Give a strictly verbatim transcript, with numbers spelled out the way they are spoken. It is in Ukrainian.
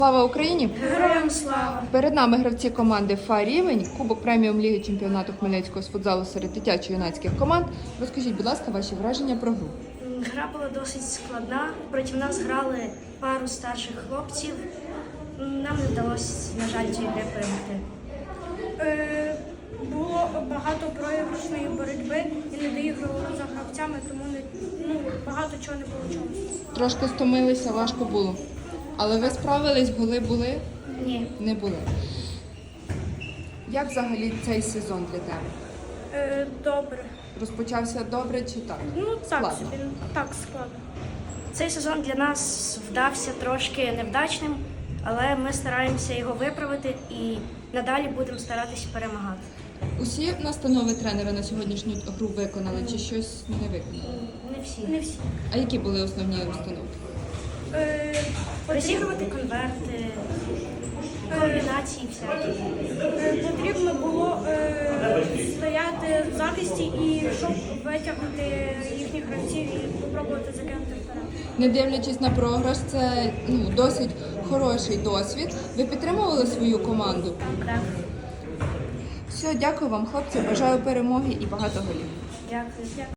Слава Україні! Героям слава! Перед нами гравці команди Фа-рівень, Кубок преміум ліги чемпіонату Хмельницького з футзалу серед дитячо-юнацьких команд. Розкажіть, будь ласка, ваші враження про гру. Гра була досить складна. Проти нас грали пару старших хлопців. Нам не вдалося, на жаль, цієї гри перемогти. Е, Було багато проіграшної боротьби і не доігрували за гравцями, тому не, ну, багато чого не вийшло. Трошки стомилися, важко було. Але ви справились, голи були? Ні. Не були. Як взагалі цей сезон для тебе? Е, Добре. Розпочався добре чи так? Ну так Складно. собі, так складно. Цей сезон для нас вдався трошки невдачним, але ми стараємося його виправити і надалі будемо старатися перемагати. Усі настанови тренера на сьогоднішню гру виконали чи щось не виконали? Не всі. Не всі. А які були основні установки? Е, Розігрувати конверти, комбінації всякі. е, Потрібно було е, стояти в захисті і щоб витягнути їхніх гравців і спробувати закинути вперед. Не дивлячись на програш, це ну, досить хороший досвід. Ви підтримували свою команду? Так. Все, дякую вам, хлопці. Бажаю перемоги і багато голів. Дякую.